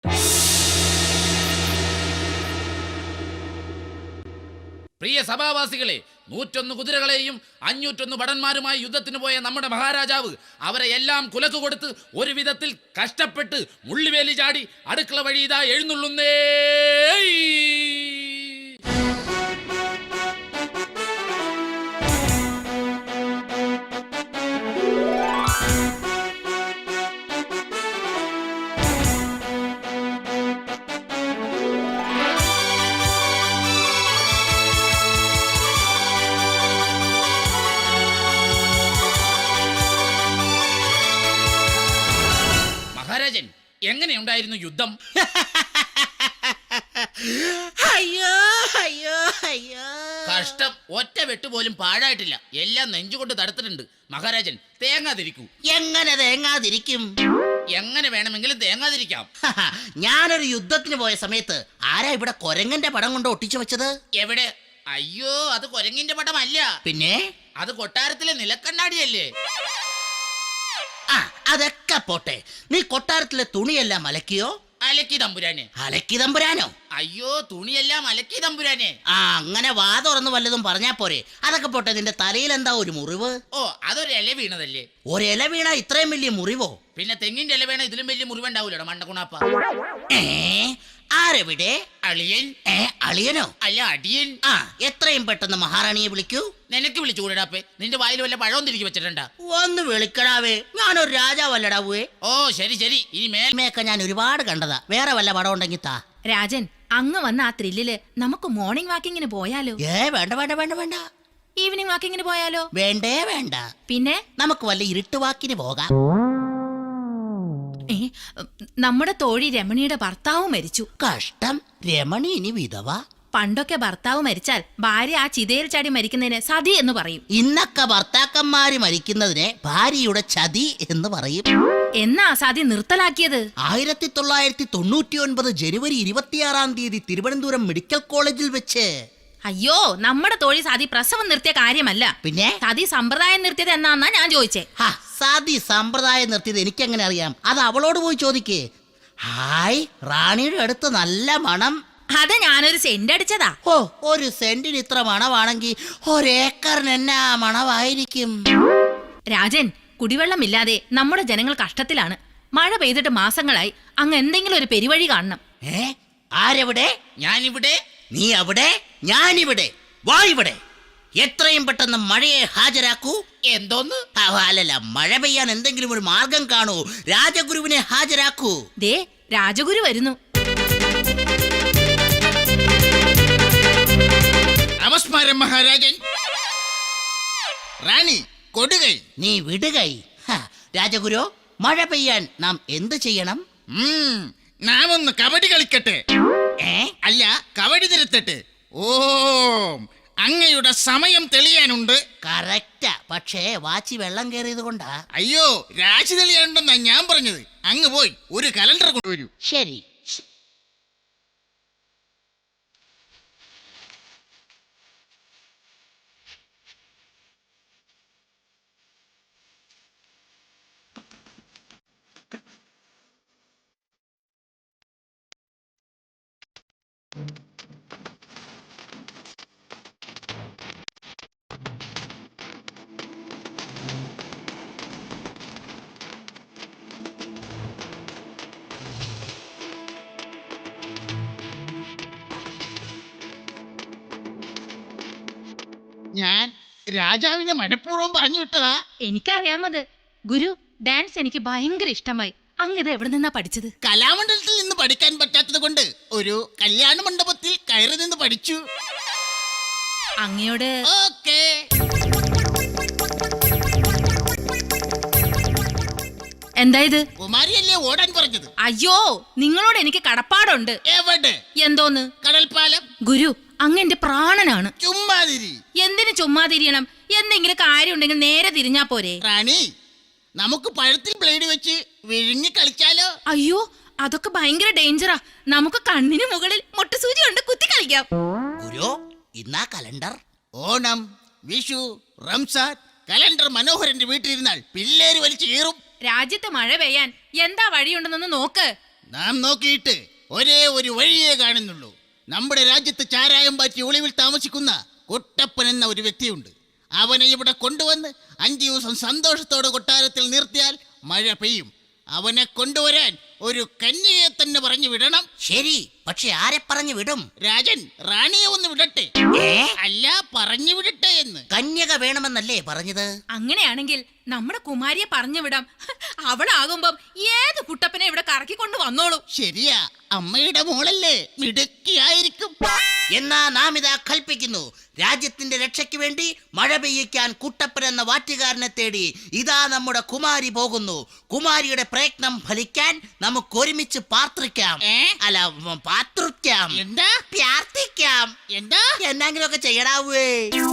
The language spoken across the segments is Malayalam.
പ്രിയ സഭാവാസികളെ, 101 കുതിരകളെയും 501 ഭടന്മാരുമായി യുദ്ധത്തിന് പോയ നമ്മുടെ മഹാരാജാവ് അവരെ എല്ലാം കുലക്ക് കൊടുത്ത് ഒരു വിധത്തിൽ കഷ്ടപ്പെട്ട് മുള്ളിവേലി ചാടി അടുക്കള വഴി ഇതാ എഴുന്നള്ളുന്നേ. മഹാരാജൻ, എങ്ങനെയുണ്ടായിരുന്നു യുദ്ധം? അയ്യോ അയ്യോ അയ്യോ, കഷ്ടം, ഒറ്റ വെട്ടുപോലും പാഴായിട്ടില്ല. എല്ലാം നെഞ്ചുകൊണ്ട് തടുത്തിട്ടുണ്ട്. മഹാരാജൻ, തേങ്ങാതിരിക്കൂ. എങ്ങനെ തേങ്ങാതിരിക്കും? എങ്ങനെ വേണമെങ്കിലും തേങ്ങാതിരിക്കാം. ഞാനൊരു യുദ്ധത്തിന് പോയ സമയത്ത് ആരാ ഇവിടെ കൊരങ്ങന്റെ പടം കൊണ്ട് ഒട്ടിച്ചു വെച്ചത്? എവിടെ? അയ്യോ, അത് കുരങ്ങിന്റെ പടമല്ല. പിന്നെ അത് കൊട്ടാരത്തിലെ നിലക്കണ്ണാടിയല്ലേ? ആ, അതൊക്കെ പോട്ടെ. നീ കൊട്ടാരത്തിലെ തുണിയെല്ലാം അലക്കിയോ? അലക്കി തമ്പുരാനെ. അലക്കി തമ്പുരാനോ? അയ്യോ, തുണിയെല്ലാം അലക്കി തമ്പുരാനെ. ആ, അങ്ങനെ വാ തുറന്ന് വല്ലതും പറഞ്ഞാ പോരെ. അതൊക്കെ പോട്ടെ, നിന്റെ തലയിൽ എന്താ ഒരു മുറിവ്? ഓ, അതൊരു ഇല വീണതല്ലേ. ഒരില വീണ ഇത്രയും വലിയ മുറിവോ? പിന്നെ തെങ്ങിന്റെ ഇല വീണ ഇതിലും വലിയ മുറിവുണ്ടാവൂലോ മണ്ടക്കുണാപ്പ. ആരെവിടെ? അളിയൻ. അളിയനോ? അല്ല, അടിയൻ. ആ, എത്രയും പെട്ടെന്ന് മഹാറാണിയെ വിളിക്കൂ. നിനക്ക് വിളിച്ചു കൂടാപ്പേ? നിന്റെ വായിൽ വല്ല പഴവും തിരികെ വെച്ചിട്ടുണ്ടാ? ഒന്ന് വിളിക്കടാവേ, ഞാനൊരു രാജാവല്ലടാവേ. ഓ, ശരി ശരി. ഇനി മേൽമയൊക്കെ ഞാൻ ഒരുപാട് കണ്ടതാ. വേറെ വല്ല പടം ഉണ്ടെങ്കിൽ താ. രാജൻ, അങ്ങ് വന്ന ആ ത്രില്ലില് നമുക്ക് മോർണിംഗ് വാക്കിങ്ങിന് പോയാലോ? വേണ്ട വേണ്ട വേണ്ട വേണ്ട. ഈവനിങ് വാക്കിങ്ങിന് പോയാലോ? വേണ്ടേ വേണ്ട. പിന്നെ നമുക്ക് വല്ല ഇരുട്ടുവാക്കിന് പോകാം. നമ്മുടെ തോഴി രമണിയുടെ ഭർത്താവ് മരിച്ചു. കഷ്ടം, രമണി ഇനി വിധവ. പണ്ടൊക്കെ ഭർത്താവ് മരിച്ചാൽ ഭാര്യ ആ ചിതയിൽ ചാടി മരിക്കുന്നതിന് സതി എന്ന് പറയും. ഇന്നൊക്കെ ഭർത്താക്കന്മാര് മരിക്കുന്നതിനെ ഭാര്യയുടെ ചതി എന്ന് പറയും. എന്നാ സതി നിർത്തലാക്കിയത്? 1999 ജനുവരി 26 തിരുവനന്തപുരം മെഡിക്കൽ കോളേജിൽ വെച്ച്. അയ്യോ, നമ്മുടെ തോഴി സതി പ്രസവം നിർത്തിയ കാര്യമല്ല. പിന്നെ സതി സമ്പ്രദായം നിർത്തിയത് എന്നാന്നാ ഞാൻ ചോദിച്ചേ. സതി സമ്പ്രദായം നിർത്തിയത് എനിക്കെങ്ങനെ അറിയാം? അത് അവളോട് പോയി ചോദിക്കേ. ഹായ്, റാണിയുടെ അടുത്ത് നല്ല മണം. അത് ഞാനൊരു സെന്റ് അടിച്ചതാ. ഓ, ഒരു സെന്റിന് ഇത്ര മണമാണെങ്കിൽ ഒരേക്കറിന് എന്നാ മണമായിരിക്കും? രാജൻ, കുടിവെള്ളമില്ലാതെ നമ്മുടെ ജനങ്ങൾ കഷ്ടത്തിലാണ്. മഴ പെയ്തിട്ട് മാസങ്ങളായി. അങ്ങ് എന്തെങ്കിലും ഒരു പെരുവഴി കാണണം. ആരെവിടെ? ഞാനിവിടെ. നീ അവിടെ, ഞാനിവിടെ. വാ ഇവിടെ. എത്രയും പെട്ടെന്ന് മഴയെ ഹാജരാക്കൂ. എന്തോന്ന്? അല്ലല്ല, മഴ പെയ്യാൻ എന്തെങ്കിലും ഒരു മാർഗം കാണൂ. രാജഗുരുവിനെ ഹാജരാക്കൂ. ദേ, രാജഗുരു വരുന്നു. നമസ്കാരം മഹാരാജൻ. റാണി കൊടുകൈ. നീ വിടുകൈ. രാജഗുരു, മഴ പെയ്യാൻ നാം എന്ത് ചെയ്യണം? നാം ഒന്ന് കബഡി കളിക്കട്ടെ. അല്ല, കബഡി തിരുത്തട്ടെ. ഓം, അങ്ങയുടെ സമയം തെളിയാനുണ്ട്. കറക്റ്റാ, പക്ഷേ വാച്ചി വെള്ളം കയറിയത് കൊണ്ടാ. അയ്യോ, രാശി തെളിയാനുണ്ടെന്നാ ഞാൻ പറഞ്ഞത്. അങ്ങ് പോയി ഒരു കലണ്ടർ കൊണ്ടുവരൂ. ശരി. ഞാൻ രാജാവിനെ മനഃപൂർവ്വം പറഞ്ഞു വിട്ടതാ. എനിക്കറിയാമത്. ഗുരു, ഡാൻസ് എനിക്ക് ഭയങ്കര ഇഷ്ടമായി. അങ്ങ് ഇത് എവിടെ നിന്നാ പഠിച്ചത്? കലാമണ്ഡലത്തിൽ നിന്ന് പഠിക്കാൻ പറ്റാത്തത് കൊണ്ട് ഒരു കല്യാണ മണ്ഡപത്തിൽ കയറി നിന്ന് പഠിച്ചു. അങ്ങയോട് ഓക്കേ. എന്താ ഇത്? കുമാരിയല്ലേ ഓടാൻ പറഞ്ഞത്? അയ്യോ, നിങ്ങളോട് എനിക്ക് കടപ്പാടുണ്ട്. എവിടെ? എന്തോന്ന്? കടൽപ്പാലം. ഗുരു, അങ്ങ് എന്റെ പ്രാണനാണ്. ചുമ്മാതിരി. എന്തിനു ചുമ്മാ തിരിയണം? എന്തെങ്കിലും കാര്യം ഉണ്ടെങ്കിൽ നേരെ തിരിഞ്ഞാ പോരെ? റാണി, നമുക്ക് പഴത്തിൽ ബ്ലേഡ് വെച്ച് വിഴുങ്ങി കളിച്ചാലോ? അയ്യോ, അതൊക്കെ ഭയങ്കര ഡേഞ്ചറാ. നമുക്ക് കണ്ണിന് മുകളിൽ മുട്ടുസൂചി കൊണ്ട് കുത്തി കളിക്കാം. ഗുരു, ഇന്നാ കലണ്ടർ. ഓണം, വിഷു, റംസാൻ കലണ്ടർ മനോഹരന്റെ വീട്ടിലിരുന്നാൽ പിള്ളേര് വലിച്ചു കീറും. രാജ്യത്ത് മഴ പെയ്യാൻ എന്താ വഴിയുണ്ടെന്നൊന്ന് നോക്ക്. നാം നോക്കിയിട്ട് ഒരേ ഒരു വഴിയേ കാണുന്നുള്ളൂ. നമ്മുടെ രാജ്യത്ത് ചാരായം പാറ്റി ഒളിവിൽ താമസിക്കുന്ന കുട്ടപ്പൻ എന്ന ഒരു വ്യക്തിയുണ്ട്. അവനെ ഇവിടെ കൊണ്ടുവന്ന് 5 ദിവസം സന്തോഷത്തോടെ കൊട്ടാരത്തിൽ നിർത്തിയാൽ മഴ പെയ്യും. അവനെ കൊണ്ടുവരാൻ ഒരു കന്യകയെ തന്നെ പറഞ്ഞു വിടണം. ശരി, പക്ഷെ ആരെ പറഞ്ഞു വിടും? രാജൻ റാണിയെ ഒന്ന് വിടട്ടെ. അല്ല, പറഞ്ഞു വിടട്ടെ എന്ന്. കന്യക വേണമെന്നല്ലേ പറഞ്ഞത്? അങ്ങനെയാണെങ്കിൽ നമ്മുടെ കുമാരിയെ പറഞ്ഞു വിടാം. അവളാകുമ്പം ഏത് കുട്ടപ്പനെ ഇവിടെ കറക്കിക്കൊണ്ട് വന്നോളൂ. ശരിയാ, അമ്മയുടെ മോളല്ലേ, മിടുക്കിയായിരിക്കും. എന്നാ നാം ഇതാ കൽപ്പിക്കുന്നു, രാജ്യത്തിന്റെ രക്ഷയ്ക്ക് വേണ്ടി മഴ പെയ്യിക്കാൻ കുട്ടപ്പൻ എന്ന വാറ്റുകാരനെ തേടി ഇതാ നമ്മുടെ കുമാരി പോകുന്നു. കുമാരിയുടെ പ്രയത്നം ഫലിക്കാൻ നമുക്ക് ഒരുമിച്ച് പാർത്തിക്കാം. അല്ല, പാത്രിക്കാം. എന്താ? പ്രാർത്ഥിക്കാം. എന്താ? എന്തെങ്കിലുമൊക്കെ ചെയ്യടാവേ.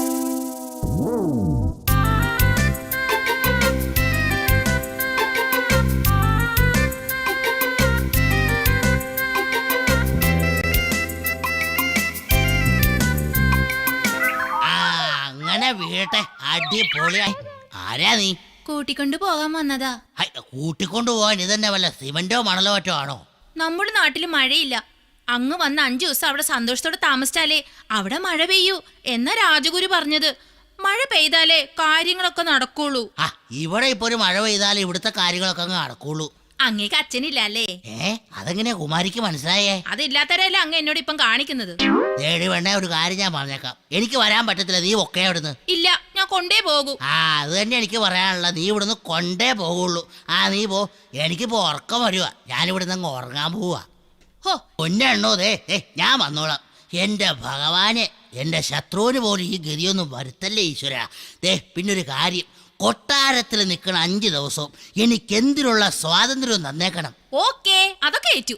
അങ്ങനെ വീട്ടെ, അടിപൊളിയായി. ആരാ നീ? കൂട്ടിക്കൊണ്ടു പോകാൻ വന്നതാ. കൂട്ടിക്കൊണ്ടു പോവാൻ ഇതന്നെ വല്ല സിമന്റോ മണലോ മറ്റോ ആണോ? നമ്മുടെ നാട്ടിൽ മഴയില്ല. അങ്ങ് വന്ന് 5 ദിവസം അവിടെ സന്തോഷത്തോടെ താമസിച്ചാലേ അവിടെ മഴ പെയ്യൂ എന്നാ രാജഗുരു പറഞ്ഞത്. മഴ പെയ്താലേ കാര്യങ്ങളൊക്കെ നടക്കുള്ളൂ. ഇവിടെ ഇപ്പൊ ഒരു മഴ പെയ്താലേ ഇവിടുത്തെ കാര്യങ്ങളൊക്കെ അങ്ങ് നടക്കുള്ളൂ. അങ്ങേക്ക് അച്ഛനില്ല അല്ലേ? അതെങ്ങനെയാ കുമാരിക്ക് മനസ്സിലായേ? അതില്ലാത്തവരല്ലേ അങ്ങ് എന്നോട് ഇപ്പം കാണിക്കുന്നത്. വേണ്ട, ഒരു കാര്യം ഞാൻ പറഞ്ഞേക്കാം, എനിക്ക് വരാൻ പറ്റത്തില്ല. നീ ഒക്കെ അവിടുന്ന്. ഇല്ല, ഞാൻ കൊണ്ടേ പോകൂ. അത് തന്നെ എനിക്ക് പറയാനുള്ള. നീ ഇവിടുന്ന് കൊണ്ടേ പോകുള്ളൂ. നീ പോ, എനിക്കിപ്പോ ഉറക്കം വരുവാ. ഞാനിവിടുന്ന് അങ്ങ് ഉറങ്ങാൻ പോവാ. പൊന്നെണ്ണോ, ഞാൻ വന്നോളാം. എന്റെ ഭഗവാനെ, എന്റെ ശത്രുവിന് പോലും ഈ ഗതിയൊന്നും വരുത്തല്ലേ ഈശ്വര. പിന്നൊരു കാര്യം, കൊട്ടാരത്തിൽ നിൽക്കണ 5 ദിവസവും എനിക്കെന്തിനുള്ള സ്വാതന്ത്ര്യവും തന്നേക്കണം. ഓക്കേ, അതൊക്കെ ഏറ്റു.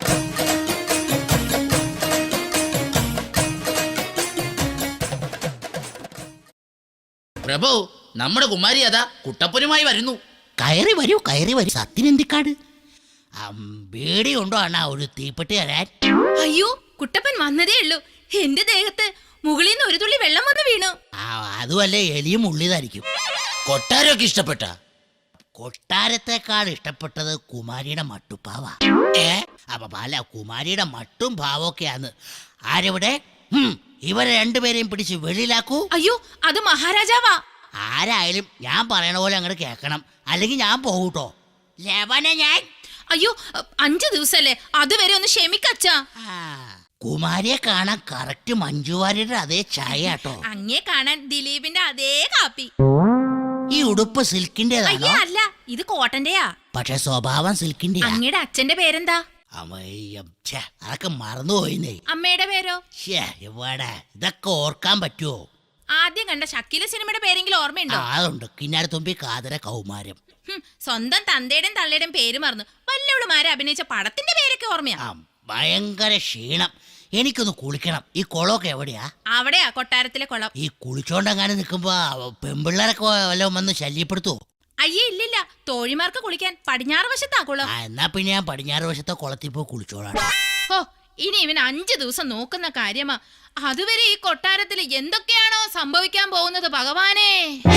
പ്രഭു, നമ്മുടെ കുമാരി അതാ കുട്ടപ്പനുമായി വരുന്നു. കയറി വരൂ, കയറി വരൂ. സത്യനന്ദിക്കാട് പേടിയുണ്ടോ അണ്ണാ ഒരു തീപ്പെട്ടി തരാൻ? അയ്യോ, കുട്ടപ്പൻ വന്നതേ ഉള്ളൂ. എന്റെ ദേഹത്ത് മുകളിൽ നിന്ന് ഒരു തുള്ളി വെള്ളം വന്ന് വീണു. അതുമല്ലേ, എലിയും ഉള്ളിതായിരിക്കും. കൊട്ടാരമൊക്കെ ഇഷ്ടപ്പെട്ട? കൊട്ടാരത്തെക്കാൾ ഇഷ്ടപ്പെട്ടത് കുമാരിയുടെ മട്ടുപ്പാവാ. അല്ല, കുമാരിയുടെ മട്ടും ഭാവമൊക്കെയാന്ന്. ആരെവിടെ? ഇവരെ രണ്ടുപേരെയും പിടിച്ച് വെളിയിലാക്കൂ. അയ്യോ, അത് മഹാരാജാവാ. ആരായാലും ഞാൻ പറയണ പോലെ അങ്ങോട്ട് കേൾക്കണം, അല്ലെങ്കിൽ ഞാൻ പോകൂട്ടോ. ഞാൻ അയ്യോ, 5 ദിവസല്ലേ, അതുവരെ ഒന്ന് ക്ഷമിക്കച്ചാ. കുമാരിയെ കാണാൻ കറക്റ്റ് മഞ്ജുവാരിയുടെ അതേ ചായ കേട്ടോ. അങ്ങേ കാണാൻ ദിലീപിന്റെ അതേ കാപ്പി. ഈ ഉടുപ്പ് സിൽക്കിന്റേതാണോ? അല്ല, ഇത് കോട്ടന്റെയാ. പക്ഷെ സ്വഭാവം സിൽക്കിന്റെ. അങ്ങയുടെ അച്ഛന്റെ പേരെന്താ? അതൊക്കെ മറന്നുപോയിന്നേ. അമ്മയുടെ പേരോ? ഇവിടെ ഇതൊക്കെ ഓർക്കാൻ പറ്റുമോ? ആദ്യം കണ്ട ഷക്കീല സിനിമയുടെ പേരെങ്കിലും ഓർമ്മയുണ്ടോ? അതുണ്ട്, കിന്നാരത്തുമ്പി കാതര കൗമാരം. സ്വന്തം തന്തയുടെയും തള്ളയുടെയും പേര് മറന്നു. വല്ലവളുമാരെ അഭിനയിച്ച പടത്തിന്റെ പേരൊക്കെ ഓർമ്മയാ. ഭയങ്കര ക്ഷീണം, എനിക്കൊന്ന് കുളിക്കണം. ഈ കുളമൊക്കെ എവിടെയാ? അവിടെയാ, കൊട്ടാരത്തിലെ കുളം. ഈ കുളിച്ചോണ്ടെങ്ങാനും നിൽക്കുമ്പോ പെമ്പിള്ളേരൊക്കെ വല്ലതും വന്ന് ശല്യപ്പെടുത്തുവോ? അയ്യേ, ഇല്ലില്ല. തോഴിമാർക്ക് കുളിക്കാൻ പടിഞ്ഞാറ് വശത്താ കുളം. എന്നാ പിന്നെ ഞാൻ പടിഞ്ഞാറ് വശത്തെ കുളത്തിൽ പോയി കുളിച്ചോളാം. ഇനി ഇവൻ 5 ദിവസം നോക്കുന്ന കാര്യമാ. അതുവരെ ഈ കൊട്ടാരത്തിൽ എന്തൊക്കെയാണോ സംഭവിക്കാൻ പോകുന്നത് ഭഗവാനേ.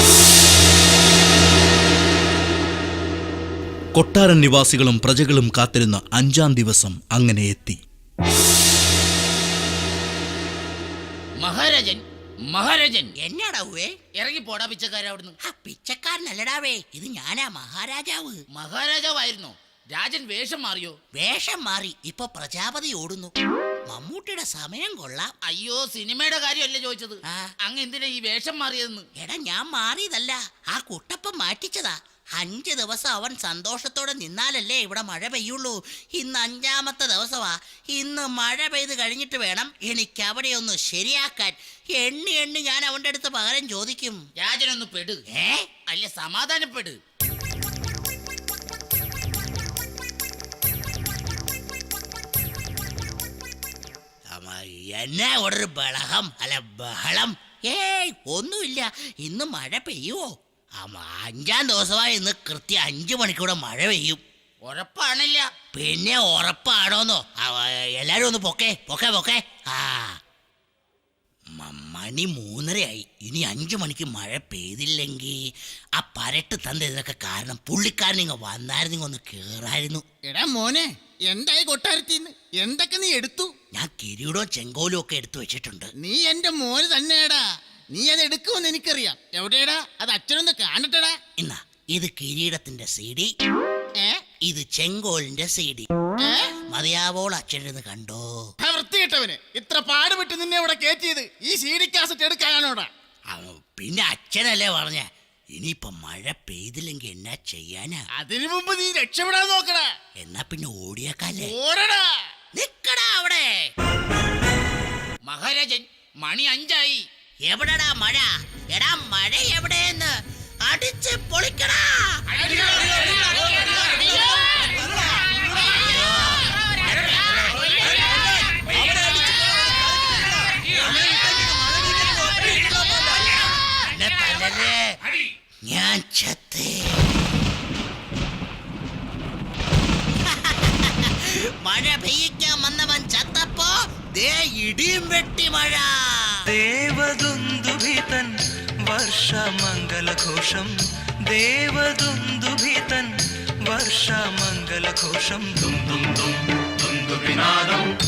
കൊട്ടാരൻ നിവാസികളും പ്രജകളും കാത്തിരുന്ന 5-ാം ദിവസം അങ്ങനെ എത്തി. മഹാരാജൻ, മഹാരാജൻ. എന്നാടാവേ? ഇറങ്ങി പോടാ പിച്ചക്കാരൻ അവിടുന്ന്. പിച്ചക്കാരനല്ലടാവേ, ഇത് ഞാനാ മഹാരാജാവ്. മഹാരാജാവായിരുന്നോ? രാജൻ വേഷം മാറിയോ? വേഷം മാറി, ഇപ്പൊ പ്രജാപതി ഓടുന്നു. മമ്മൂട്ടിയുടെ സമയം കൊള്ളാം. അയ്യോ, സിനിമയുടെ കാര്യമല്ലേ ചോദിച്ചത്. അങ്ങ് എന്തിനാ ഈ വേഷം മാറിയതെന്ന്? എടാ, ഞാൻ മാറിയതല്ല, ആ കുട്ടപ്പൻ മാറ്റിച്ചതാ. 5 ദിവസം അവൻ സന്തോഷത്തോടെ നിന്നാലല്ലേ ഇവിടെ മഴ പെയ്യുള്ളൂ. ഇന്ന് 5-ാമത്തെ ദിവസമാ. ഇന്ന് മഴ പെയ്ത് കഴിഞ്ഞിട്ട് വേണം എനിക്ക് അവിടെ ഒന്ന് ശരിയാക്കാൻ. എണ്ണി ഞാൻ അവന്റെ അടുത്ത് പകരം ചോദിക്കും. രാജനൊന്ന് പെട്. അല്ല, സമാധാനപ്പെട്. എന്നാ ഇവിടെ ഒരു ബഹളം, അല്ല ബഹളം? ഒന്നുമില്ല. ഇന്ന് മഴ പെയ്യുവോ? 5-ാം ദിവസമായി ഇന്ന് കൃത്യം 5 മണിക്കൂടെ മഴ പെയ്യും. ഉറപ്പാണില്ല. പിന്നെ ഉറപ്പാണോന്നോ? എല്ലാരും ഒന്ന് പൊക്കെ പൊക്കെ പൊക്കെ. മണി 3:30 ഇനി 5 മണിക്ക് മഴ പെയ്തില്ലെങ്കിൽ ആ പരട്ട് തந்த ഇതിനൊക്കെ കാരണം പുള്ളിക്കാരൻ ഇങ്ങ് വന്നായിരുന്നു, ഒന്ന് കേറായിരുന്നു. എടാ മോനെ, എന്തായി കൊട്ടാരത്തിന്ന്? എന്തൊക്കെ നീ എടുത്തു? ഞാൻ കിരീടവും ചെങ്കോലും ഒക്കെ എടുത്തു വെച്ചിട്ടുണ്ട്. നീ എന്റെ മോന് തന്നെയാടാ. നീ അത് എടുക്കുമെന്ന് എനിക്കറിയാം. എവിടെയാടാ അത്? അച്ഛനൊന്ന് കാണട്ടടാ. എന്നാ ഇത് കിരീടത്തിന്റെ CD, ഏ ഇത് ചെങ്കോലിന്റെ CD. ഏ? മതിയാവോൾ അച്ഛനിരുന്ന് കണ്ടോ? ആ വൃത്തികെട്ടവന്, ഇത്ര പാടുപെട്ട് നിന്നെ ഇവിടെ കയറ്റിയത് ഈ CD കാസറ്റ് എടുക്കാനാണോടാ? പിന്നെ അച്ഛനല്ലേ പറഞ്ഞ ഇനിയിപ്പൊ മഴ പെയ്തില്ലെങ്കിൽ എന്നാ ചെയ്യാനാ? അതിനു മുമ്പ് നീ രക്ഷപ്പെടാൻ നോക്കടാ. എന്നാ പിന്നെ ഓടിയേക്കാല്ലേ? ഓടടാ. നിക്കടാ അവിടെ. മഹാരാജൻ, മണി 5 എവിടെടാ മഴ? എടാ മഴ എവിടെയെന്ന് അടിച്ച് പൊളിക്കടാ. എന്നെ തല്ലല്ലേ, ഞാൻ ചത്തേ. മഴ പെയ്യിക്കാൻ വന്നവൻ ചത്തപ്പോ ദേ ഇടിയും വെട്ടി മഴ. ദേവദുന്ദുഭിതൻ വർഷമംഗലഘോഷം, ദേവദുന്ദുഭിതൻ വർഷമംഗലഘോഷം. ദും ദും ദും ദുന്ദുഭിനാദം